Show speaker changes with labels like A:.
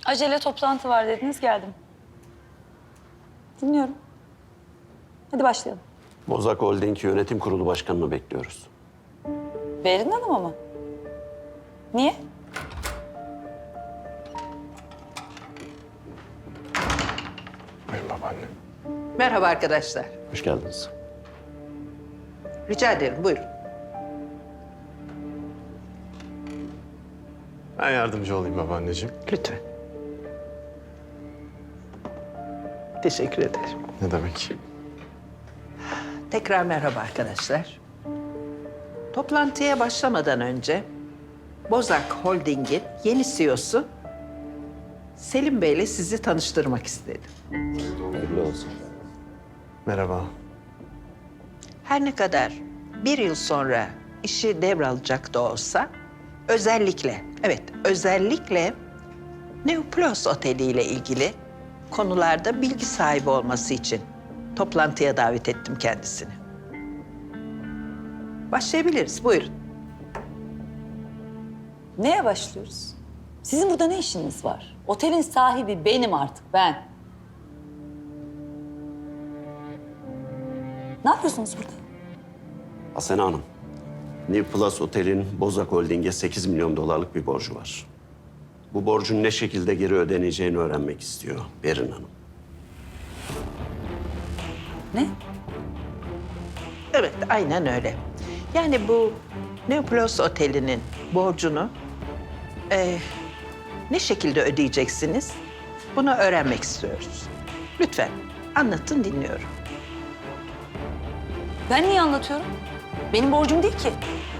A: Acele toplantı var dediniz, geldim. Dinliyorum. Hadi başlayalım.
B: Bozak Holding Yönetim Kurulu Başkanı'nı bekliyoruz.
A: Berin Hanım'a mı? Niye?
B: Buyurun babaanne.
C: Merhaba arkadaşlar.
B: Hoş geldiniz.
C: Rica ederim, buyurun.
D: Ben yardımcı olayım babaanneciğim.
C: Lütfen. Teşekkür ederim.
D: Ne demek?
C: Tekrar merhaba arkadaşlar. Toplantıya başlamadan önce Bozak Holding'in yeni CEO'su Selim Bey'le sizi tanıştırmak istedim.
B: Hayırlı olsun.
D: Merhaba.
C: Her ne kadar bir yıl sonra işi devralacak da olsa özellikle Neoplos Oteli ile ilgili konularda bilgi sahibi olması için toplantıya davet ettim kendisini. Başlayabiliriz, buyurun.
A: Neye başlıyoruz? Sizin burada ne işiniz var? Otelin sahibi benim artık, ben. Ne yapıyorsunuz burada?
B: Asena Hanım, New Plus Otel'in Bozak Holding'e 8 milyon dolarlık bir borcu var. Bu borcun ne şekilde geri ödeneceğini öğrenmek istiyor Berin Hanım.
A: Ne?
C: Evet, aynen öyle. Yani bu Neoplos Oteli'nin borcunu ne şekilde ödeyeceksiniz? Bunu öğrenmek istiyoruz. Lütfen anlatın, dinliyorum.
A: Ben niye anlatıyorum? Benim borcum değil ki.